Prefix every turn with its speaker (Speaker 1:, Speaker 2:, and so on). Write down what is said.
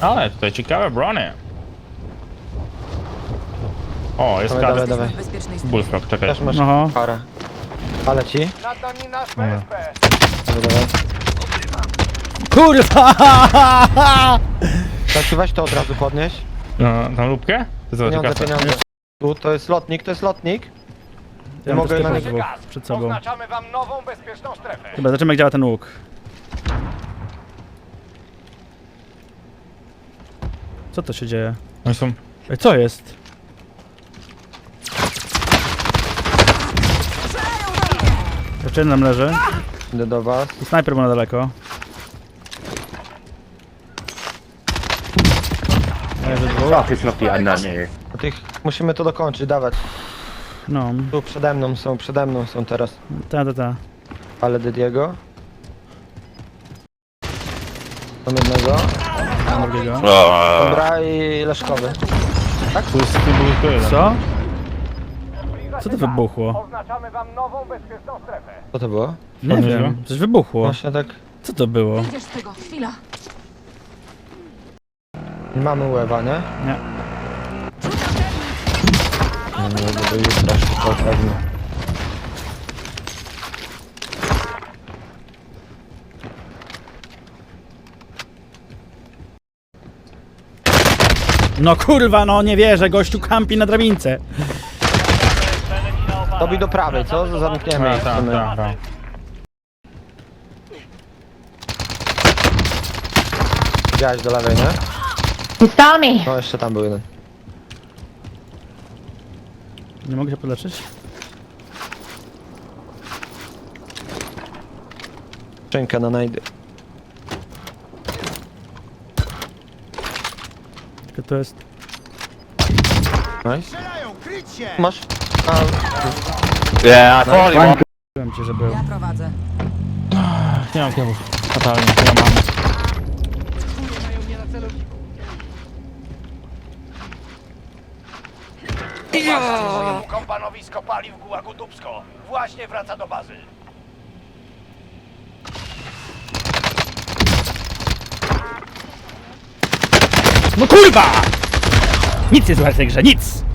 Speaker 1: Ale tutaj ciekawe brony. O, jest
Speaker 2: Dawaj,
Speaker 1: kadr.
Speaker 2: dawaj.
Speaker 3: W bezpiecznej strefie.
Speaker 1: Bullfrog, czekaj.
Speaker 2: Też masz
Speaker 4: Aha.
Speaker 2: parę. Ale ci?
Speaker 5: Nad nami nasz PSP.
Speaker 2: Dawaj, dawaj.
Speaker 4: Kurwa!
Speaker 2: Znaczy weź to od razu podnieś.
Speaker 1: No, tą lubkę? To zobacz,
Speaker 2: Pieniądze,
Speaker 1: kasę.
Speaker 2: pieniądze. Tu, to jest lotnik, to jest lotnik.
Speaker 4: Ja
Speaker 2: mogę
Speaker 4: mogę
Speaker 2: na
Speaker 4: na
Speaker 2: niego-
Speaker 4: dwóch przed sobą.
Speaker 5: Oznaczamy wam nową bezpieczną strefę.
Speaker 4: Chyba zobaczymy jak działa ten łuk. Co to się dzieje?
Speaker 1: Oni są...
Speaker 4: Ej, co jest? Jeszcze jeden nam leży.
Speaker 2: Idę do was.
Speaker 4: I snajper był na daleko. Leży dwóch.
Speaker 6: Jest Loki, a na nie.
Speaker 2: A tych musimy to dokończyć, dawać.
Speaker 4: No,
Speaker 2: Tu przede mną są teraz.
Speaker 4: ta.
Speaker 2: Ale Didiego. Mam jednego.
Speaker 4: Drugiego.
Speaker 2: Dobra i Leszkowy.
Speaker 1: Tu jest tu jeden.
Speaker 4: Co? Co to wybuchło?
Speaker 5: Oznaczamy wam nową bezpieczną strefę.
Speaker 2: Co to było?
Speaker 4: Nie
Speaker 1: Podnieś
Speaker 4: wiem,
Speaker 1: go?
Speaker 4: coś wybuchło.
Speaker 2: Właśnie tak.
Speaker 4: Co to było?
Speaker 3: Wyjdziesz z tego, chwila.
Speaker 2: Nie mamy łewa, nie?
Speaker 4: Nie.
Speaker 2: No, do jutra szybko pewnie.
Speaker 4: No kurwa, no nie wierzę, gościu kampi na drabince.
Speaker 2: Tobie do prawej, co? Zamkniemy.
Speaker 1: Tak,
Speaker 2: ich,
Speaker 1: tak,
Speaker 2: chcemy.
Speaker 1: tak.
Speaker 2: Widziałeś do lewej, nie?
Speaker 7: You saw me.
Speaker 2: No jeszcze tam był jeden.
Speaker 4: Nie mogę się podleczyć?
Speaker 2: Szczękę na najdy.
Speaker 4: Tylko to jest...
Speaker 2: Nice. Masz? A,
Speaker 6: Yeah, I thought he was.
Speaker 4: Mówiłem ci, że był.
Speaker 3: Ja prowadzę.
Speaker 1: Nie mam kiebów. Fatalnie, ja mam.
Speaker 5: Kompanowisko paliw Gułagu Dubsko. Właśnie wraca do bazy.
Speaker 4: No kurwa! Nic nie słychać w tej grze, nic!